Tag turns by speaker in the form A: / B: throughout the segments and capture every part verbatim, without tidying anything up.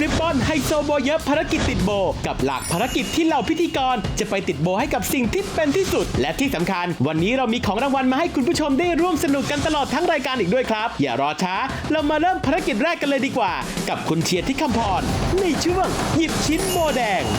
A: ริบบอนไฮโซโบเยอะภารกิจติดโบกับหลากภารกิจที่เหล่าพิธีกรจะไปติดโบให้กับสิ่งที่เป็นที่สุดและที่สำคัญวันนี้เรามีของรางวัลมาให้คุณผู้ชมได้ร่วมสนุกกันตลอดทั้งรายการอีกด้วยครับอย่ารอช้าเรามาเริ่มภารกิจแรกกันเลยดีกว่ากับคุณเชียร์ที่คำพรในช่วงหยิบชิ้นโบแดง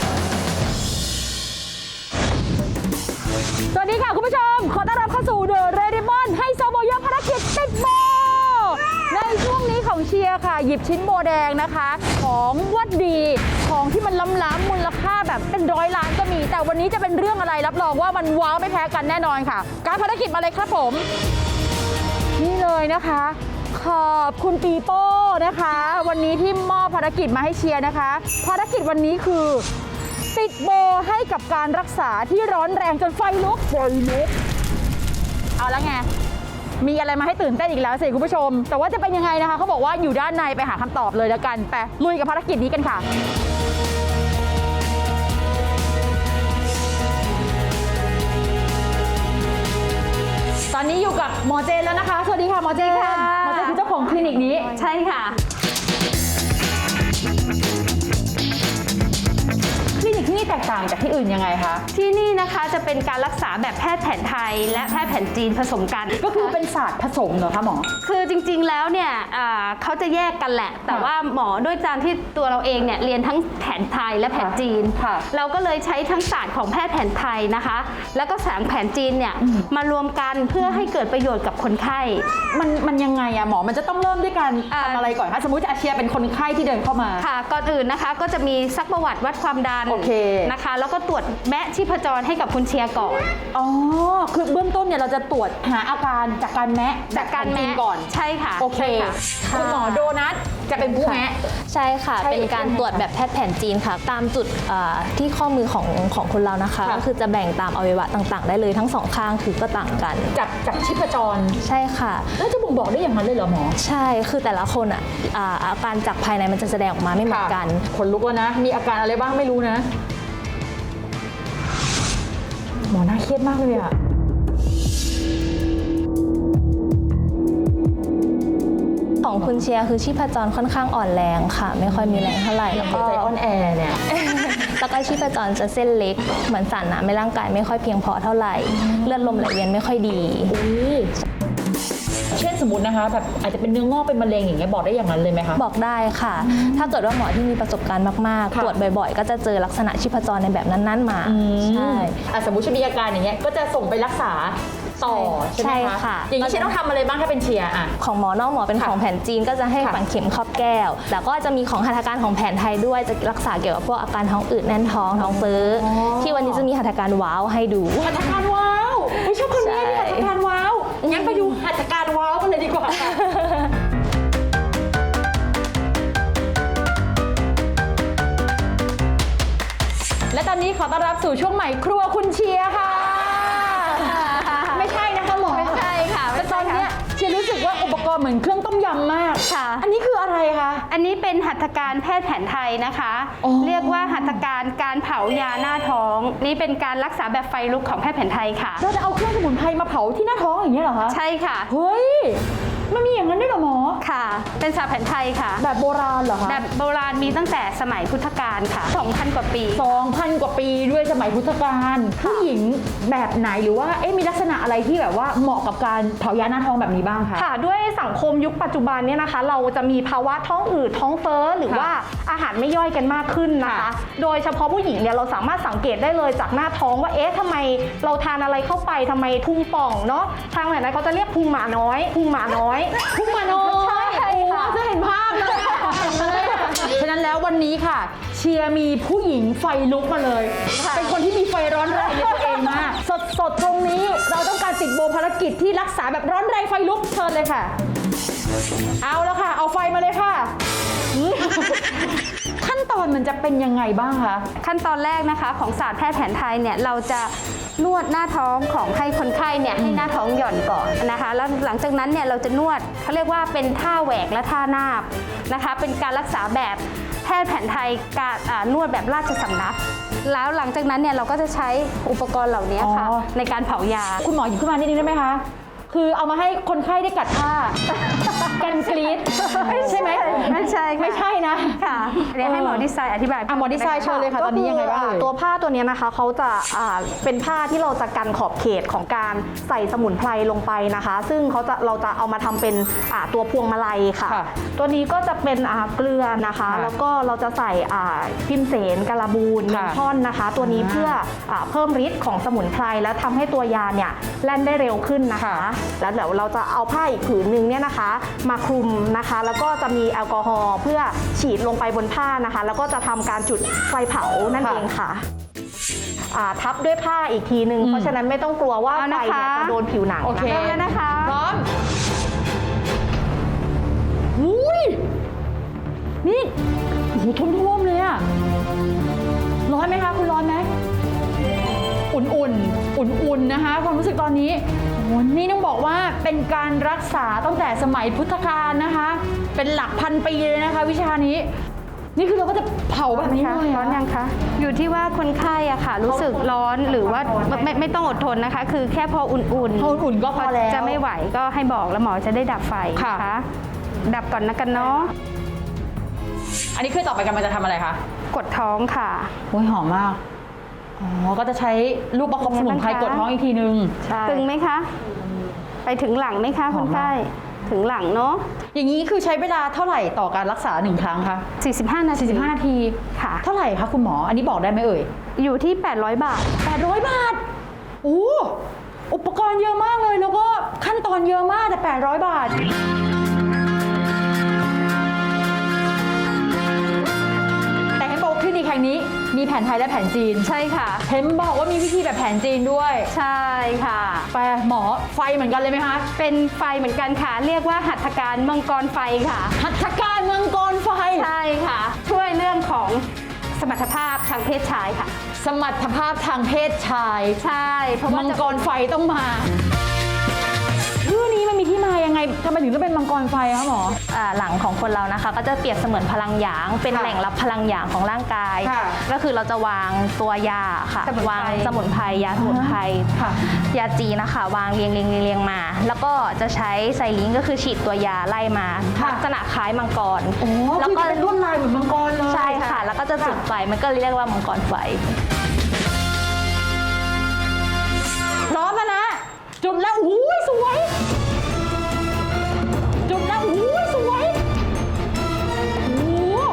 B: สวัสดีค่ะคุณผู้ชมขอต้อนรับเข้าสู่เดอะเรดิบอนไฮโซโบเยอะภารกิจติดโบในช่วงนี้ของเชียร์ค่ะหยิบชิ้นโบแดงนะคะของวัดดีของที่มันล้ำๆมูลค่าแบบเป็นร้อยล้านก็มีแต่วันนี้จะเป็นเรื่องอะไรรับรองว่ามันว้าวไม่แพ้กันแน่นอนค่ะการภารกิจมาเลยครับผมนี่เลยนะคะขอบคุณปีโป้นะคะวันนี้ที่มอบภารกิจมาให้เชียร์นะคะภารกิจวันนี้คือติดโบให้กับการรักษาที่ร้อนแรงจนไฟลุกไฟลุกเอาละไงมีอะไรมาให้ตื่นเต้นอีกแล้วสิคุณผู้ชมแต่ว่าจะเป็นยังไงนะคะเขาบอกว่าอยู่ด้านในไปหาคำตอบเลยแล้วกันไปลุยกับภารกิจนี้กันค่ะตอนนี้อยู่กับหมอเจนแล้วนะคะสวัสดีค่ะหมอเจนค่ะหมอเจนคือเจ้าของคลินิกนี้ใช่ค่ะคลินิกที่นี่แตกต่างจากที่อื่นยังไงคะ
C: ที่นี่นะคะจะเป็นการรักษาแบบแพทย์แผนไทยและแพทย์แผนจีนผสมกัน
B: ก็คือเป็นศาสตร์ผสมเหรอคะหมอ
C: คือจริงๆแล้วเนี่ยเขาจะแยกกันแหละแต่ว่าหมอด้วยการที่ตัวเราเองเนี่ยเรียนทั้งแผนไทยและแผนจีนเราก็เลยใช้ทั้งศาสตร์ของแพทย์แผนไทยนะคะแล้วก็ศาสตร์แผนจีนเนี่ยมารวมกันเพื่อให้เกิดประโยชน์กับคนไข้
B: มันมันยังไงอะหมอมันจะต้องเริ่มด้วยการทำอะไรก่อนคะสมมติอาเชียเป็นคนไข้ที่เดินเข้ามา
C: ค่ะก่อนอื่นนะคะก็จะมีซักประวัติวัดความดันนะคะแล้วก็ตรวจแมะชีพจรให้กับคุณเชียร์ก่อน
B: อ๋อคือเบื้องต้นเนี่ยเราจะตรวจหาอาการจากการแมะ
C: จากการแมะ
B: ก่อน
C: ใช่ค่ะ
B: โอเคคุณหมอโดนัทจะเป็นผู้แมะ
D: ใช่ค่ะเป็นการตรวจแบบแพทย์แผนจีนค่ะตามจุดที่ข้อมือของของคนเรานะคะก็คือจะแบ่งตามอวัยวะต่างๆได้เลยทั้งสองข้างคือก็ต่างกัน
B: จากจากชีพจร
D: ใช่ค่ะ
B: แล้วจะบ่งบอกได้อย่างนั้นเลยเหรอหมอ
D: ใช่คือแต่ละคนอ่ะอาการจากภายในมันจะแสดงออกมาไม่เหมือนกัน
B: คนลุกแล้วนะมีอาการอะไรบ้างไม่รู้นะหมอน่าเครียดมากเลยอะ
D: ของคุณเชียร์คือชีพจรค่อนข้างอ่อนแรงค่ะไม่ค่อยมีแรงเท่าไหร่
B: แล้วก็ใจอ่อนแอเนี่ย
D: แล้วก็ชีพจรจะเส้นเล็กเหมือนสารน้ำในร่างกายไม่ค่อยเพียงพอเท่าไหร่เลือดลมไหลเวียนไม่ค่อยดี
B: เช่นสมมตินะคะแบบอาจจะเป็นเนื้องอกเป็นมะเร็งอย่างเงี้ยบอกได้อย่างนั้นเลยไหมคะ
D: บอกได้ค่ะถ้าเกิดว่าหมอที่มีประสบการณ์มากๆตรวจบ่อยๆก็จะเจอลักษณะชีพจรในแบบนั้นๆมาใช่
B: สมมติมีอาการอย่างเงี้ยก็จะส่งไปรักษาต่อใช่ไหมคะอย่างนี้เชียร์ต้องทำอะไรบ้างถ้าเป็นเชียร์อะ
D: ของหมอนอกหมอเป็นของแผนจีนก็จะให้ฝังเข็มครอบแก้วแต่ก็จะมีของหัตถการของแผนไทยด้วยจะรักษาเกี่ยวกับพวกอาการท้องอืดแน่นท้องท้องเฟ้อที่วันนี้จะมีหัตถการว้าวให้ดู
B: หัตถการว้าวไม่ชอบคนนี้มีหัตถการว้าวงั้นไปดูหัตถการว้าวกันเลยดีกว่าและตอนนี้ขอต้อนรับสู่ช่วงใหม่ครัวคุณเชียร์ค่ะไม่ใช่นะคะหมอ
C: ไม่ใช่ค่ะ
B: แต่ตอนนี้เชียร์รู้สึกว่าอุปกรณ์เหมือนเครื่องต้มยำมาก
C: ค่ะ
B: อันนี้คืออะไรคะ
C: อันนี้เป็นหัตถการแพทย์แผนไทยนะคะเรียกว่าหัตถการการเผายาหน้าท้องนี่เป็นการรักษาแบบไฟลุกของแพทย์แผนไทยค่ะ
B: เราจะเอาเครื่องสมุนไพรมาเผาที่หน้าท้องอย่างนี้เหรอคะ
C: ใช่ค่ะ
B: เฮ้ยมันมีอย่างนั้นด้วยเหรอหมอ
C: ค่ะเป็นศาสตร์แผนไทยค่ะ
B: แบบโบราณเหรอคะ
C: แบบโบราณมีตั้งแต่สมัยพุทธกาลค่ะ สองพัน กว่าปี
B: สองพัน กว่าปีด้วยสมัยพุทธกาลผู้หญิงแบบไหนหรือว่าเอ๊ะมีลักษณะอะไรที่แบบว่าเหมาะกับการเผายาหน้าท้องแบบนี้บ้างคะ
E: ค่ะด้วยสังคมยุคปัจจุบันเนี่ยนะคะเราจะมีภาวะท้องอืดท้องเฟ้อหรือว่าอาหารไม่ย่อยกันมากขึ้นนะคะโดยเฉพาะผู้หญิงเนี่ยเราสามารถสังเกตได้เลยจากหน้าท้องว่าเอ๊ะทำไมเราทานอะไรเข้าไปทำไมพุงป่องเนาะทางไหนนะเขาจะเรียกพุงหมาน้อยพุงหมาน้อย
B: พุงหมาน้อยใช่ค่ะจะเห็นภาพเลยฉะนั้นแล้ววันนี้ค่ะเชียร์มีผู้หญิงไฟลุกมาเลยเป็นคนที่มีไฟร้อนแรงในตัวเองมากสดๆตรงนี้เราต้องการติดโบภารกิจที่รักษาแบบร้อนแรงไฟลุกเชิญเลยค่ะเอาแล้วค่ะเอาไฟมาเลยค่ะขั้นตอนมันจะเป็นยังไงบ้างคะ
C: ขั้นตอนแรกนะคะของศาสตร์แพทย์แผนไทยเนี่ยเราจะนวดหน้าท้องของให้คนไข้เนี่ยให้หน้าท้องหย่อนก่อนนะคะแล้วหลังจากนั้นเนี่ยเราจะนวดเขาเรียกว่าเป็นท่าแหวกและท่านาบนะคะเป็นการรักษาแบบแพทย์แผนไทยการนวดแบบราชสำนักแล้วหลังจากนั้นเนี่ยเราก็จะใช้อุปกรณ์เหล่านี้ค่ะในการเผายา
B: คุณหมอหยิบขึ้นมานิดนึงได้ไหมคะคือเอามาให้คนไข้ได้กัดผ้า กันกรีดใช่ไหม
C: ไม่ใช่ค่ะ
B: ไม่ใช่นะ
C: ค่ะเดี๋ยวให้หมอดีไซน์อธิบาย
B: อ่ะหมอดีไซน์เชิญเลยค่ะตอนนี้ยังไงบ้าง
E: ก็
B: เอ่
E: คื
B: ย
E: ตัวผ้าตัวเนี้ยนะคะเขาจะอ่าเป็นผ้าที่เราจะกันขอบเขตของการใส่สมุนไพรลงไปนะคะ ซึ่งเขาจะเราจะเอามาทำเป็นอ่าตัวพวงมาลัยค่ะ
B: ค่ะ
E: ตัวนี้ก็จะเป็นอ่าเกลือนะคะ
B: ค่ะ
E: แล้วก็เราจะใส่อ่าพิมเสนกาลาบูนเม
B: ค่ะ
E: นทอนนะคะ ตัวนี้
B: อ่า
E: เพื่ออ่าเพิ่มฤทธิ์ของสมุนไพรและทำให้ตัวยาเนี่ยแล่นได้เร็วขึ้นนะคะ
B: ค่ะ
E: แล้วเดี๋ยวเราจะเอาผ้าอีกผืนนึงเนี่ยนะคะ มาคลุมนะคะ แล้วก็จะมีแอลกอฮอล์เพื่อฉีดลงไปบนผ้านะคะ แล้วก็จะทำการจุดไฟเผานั่นเองค่ะอ่าทับด้วยผ้าอีกทีนึง
B: อืม
E: เพราะฉะนั้นไม่ต้องกลัวว่า
C: เอา
E: ไฟ
C: นะคะ
E: เนี่ยจะโดนผิวหนัง
B: โอเค
E: นะ
C: เริ่มแล้วนะคะ
B: พร้อมอุ้ยนี่โอ้โหท่วมๆเลยอะร้อนไหมคะคุณร้อนไหมอุ่นๆ อุ่นๆ นะคะ ความรู้สึกตอนนี้โอ้โหนี่ต้องบอกว่าเป็นการรักษาตั้งแต่สมัยพุทธกาลนะคะ เป็นหลักพันปีเลยนะคะ วิชานี้ นี่คือเราก็จะเผาแบบนี้เลย
C: ร้อนยังคะ อยู่ที่ว่าคนไข้อะค่ะ รู้สึกร้อนหรือว่าไม่ไม่ไม่ต้องอดทนนะคะ คือแค่พออุ่นๆ
B: พออุ่นๆก็พอแล้ว
C: จะไม่ไหวก็ให้บอกแล้วหมอจะได้ดับไฟ
B: ค่ะ
C: นะคะดับก่อนนะกันเนาะ
B: อันนี้คือต่อไปกันมันจะทำอะไรคะ
C: กดท้องค่ะ
B: โอ้ยหอมมาก อ๋อ ก็จะใช้ลูกประคบสมุนไพรกดท้องอีกทีนึง
E: ใช่
C: ตึงไหมคะ ไปถึงหลังไหมคะ
B: ห
C: ค
B: อม
C: น
B: มาก
C: ไข้ถึงหลังเนาะ
B: อย่างนี้คือใช้เวลาเท่าไหร่ต่อการรักษาหนึ่งครั้งคะ
C: สี่สิบห้านาที
B: สี่สิบห้านาที
C: ค่ะ
B: เท่าไหร่คะคุณหมอ อันนี้บอกได้ไหมเอ่ย
C: อยู่ที่แปดร้อยบาท
B: แปดร้อยบาทโอ้อุปกรณ์เยอะมากเลย แล้วก็ขั้นตอนเยอะมากแต่แปดร้อยบาท แต่เห็นบอกว่าคลินิกแห่งนี้มีแผนไทยและแผนจีน
C: ใช่ค่ะ
B: เห็นบอกว่ามีวิธีแบบแผนจีนด้วย
C: ใช่ค่ะ
B: แปลหมอไฟเหมือนกันเลยไหมคะ
C: เป็นไฟเหมือนกันค่ะ เรียกว่าหัตถการมังกรไฟค่ะ
B: หัตถการมังกรไฟ
C: ใช่ค่ะ ช่วยเรื่องของสมรรถภาพทางเพศชายค่ะ
B: สมรรถภาพทางเพศชาย
C: ใช่เพราะว่า
B: มัง
C: จะ
B: กรไฟต้องมาชื่อนี้มันมีที่มายังไงทำไมถึงต้องเป็นมังกรไฟคะหมอ
D: อ่าหลังของคนเรานะคะ ก็จะเปรียบเสมือนพลังหยาง เป็น
B: ค่ะ
D: แหล่งรับพลังหยางของร่างกาย
B: ค่ะ
D: ก็คือเราจะวางตัวยาค่ะ
C: สมุนไพร
D: วางสมุนไพรยาสมุนไพร
B: ค่ะ
D: ยาจีนนะคะ วางเรียงเรียงเรียงเรียงมา แล้วก็จะใช้ไซลิงก็คือฉีดตัวยาไล่มา
B: ค่ะ
D: ลักษณะคล้ายมังกร
B: โอ้
D: แล้ว
B: คือ
D: ก็
B: จะเป็นลวดลายเหมือนมังกรเลย
D: ใช่ค่ะ แล้วก็จะจุดไฟมันก็เรียกว่ามังกรไฟ
B: พร้อมแล้วนะ จุดแล้วอู้ยสวย จุดแล้วอู้ยสวยโอ้โห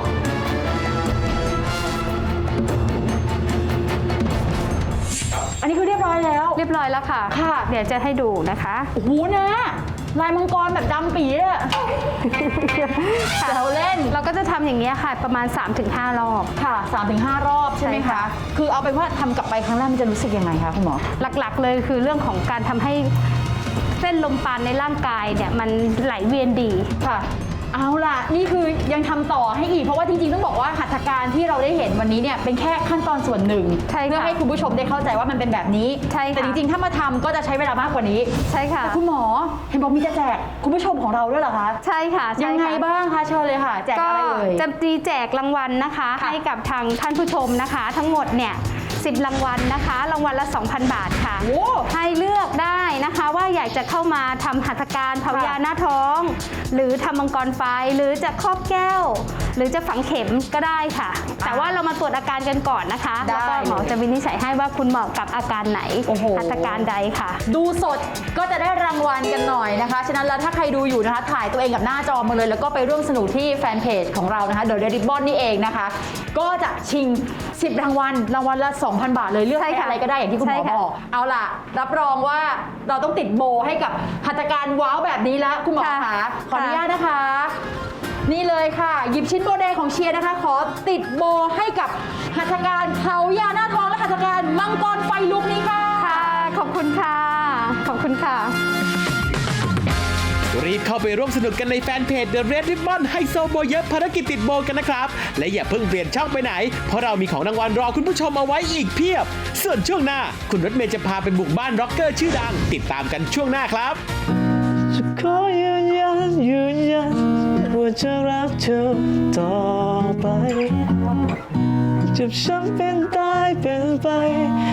B: อันนี้คือเรียบร้อยแล้ว
C: เรียบร้อยแล้วค่ะ
B: ค่ะ
C: เดี๋ยวจะให้ดูนะคะ
B: โอ้โหนะลายมังกรแบบดำปีเลยอะแซวเล่น
C: เราก็จะทำอย่างนี้ยค่ะ ประมาณ สามถึงห้า รอบ
B: ค่ะ สามถึงห้า รอบใช่ไหม
C: ใช่
B: คะ
C: ค่ะ
B: คือเอาเป็นว่าทำกลับไปครั้งแรกมันจะรู้สึกยังไงคะคุณหมอ
C: หลักๆเลยคือเรื่องของการทำให้เส้นลมปราณในร่างกายเนี่ยมันไหลเวียนดี
B: ค่ะ เอาล่ะ นี่คือยังทำต่อให้อีก เพราะว่าจริงๆต้องบอกว่าหัตถการที่เราได้เห็นวันนี้เนี่ยเป็นแค่ขั้นตอนส่วนหนึ่ง
C: ใช่ค่ะ
B: เพื่อให้คุณผู้ชมได้เข้าใจว่ามันเป็นแบบนี้
C: ใช่ค่ะ
B: แต่จริงๆถ้ามาทำก็จะใช้เวลามากกว่านี้
C: ใช่ค่ะ
B: แต่คุณหมอเห็นบอกมีจะแจกคุณผู้ชมของเราด้วยเหรอคะ
C: ใช่ค่ะใช่
B: ยังไง
C: ค่ะ
B: บ้างคะเชิญเลยค่ะ แจก
C: ก็
B: อะไรเอ่ย
C: จะมีแจกรางวัลนะคะ
B: ค่ะ
C: ให้กับทางท่านผู้ชมนะคะ ทั้งหมดเนี่ยสิบรางวัลนะคะ รางวัลละ สองพัน บาทค่ะ
B: โอ้
C: ให้เลือกได้นะคะว่าอยากจะเข้ามาทำหัตถการเผายาหน้าท้อง หรือทำมังกรไฟหรือจะครอบแก้ว หรือจะฝังเข็มก็ได้ค่ะ แต่ว่าเรามาตรวจอาการกันก่อนนะคะ
B: ได้
C: แล้วก็หมอจะวินิจฉัยให้ว่าคุณเหมาะกับอาการไหน
B: โอ้โห
C: หัตถการใดค่ะ
B: ดูสดก็จะได้รางวัลกันหน่อยนะคะ ฉะนั้นแล้วถ้าใครดูอยู่นะคะ ถ่ายตัวเองกับหน้าจอมาเลย แล้วก็ไปร่วมสนุกที่แฟนเพจของเรานะคะ The Red Ribbon นี่เองนะคะ ก็จะชิงสิบรางวัล รางวัลละ สองพัน บาทเลย เลือก
C: ใช่
B: ใช้
C: ค่ะ
B: อะไรก็ได้อย่างที่คุณหม
C: ใช่
B: อ
C: ค่ะ
B: บอก เอาล่ะ รับรองว่าเราต้องติดโบให้กับหัตถการว้าวแบบนี้แล้วคุณหมอ
C: ค่ะ
B: คะขออนุ
C: ค่ะ
B: ญาตนะคะ นี่เลยค่ะ หยิบชิ้นโบแดงของเชียร์นะคะ ขอติดโบให้กับหัตถการเผายาหน้าท้องและหัตถการมังกรไฟลุกนี้ค่ะ
C: ค่ะ ขอบคุณค่ะ ขอบคุณค่ะ
A: รีบเข้าไปร่วมสนุกกันในแฟนเพจ The Red Ribbon ไฮโซโบเยอะภารกิจติดโบกันนะครับ และอย่าเพิ่งเปลี่ยนช่องไปไหน เพราะเรามีของรางวัลรอคุณผู้ชมเอาไว้อีกเพียบ ส่วนช่วงหน้า คุณรถเมย์จะพาไปบุกบ้านร็อกเกอร์ชื่อดัง ติดตามกันช่วงหน้าครับ
F: จะขอยืนยันยืนยันว่าจะรักเธอต่อไปเจ็บช้ำเป็นตายเป็นไป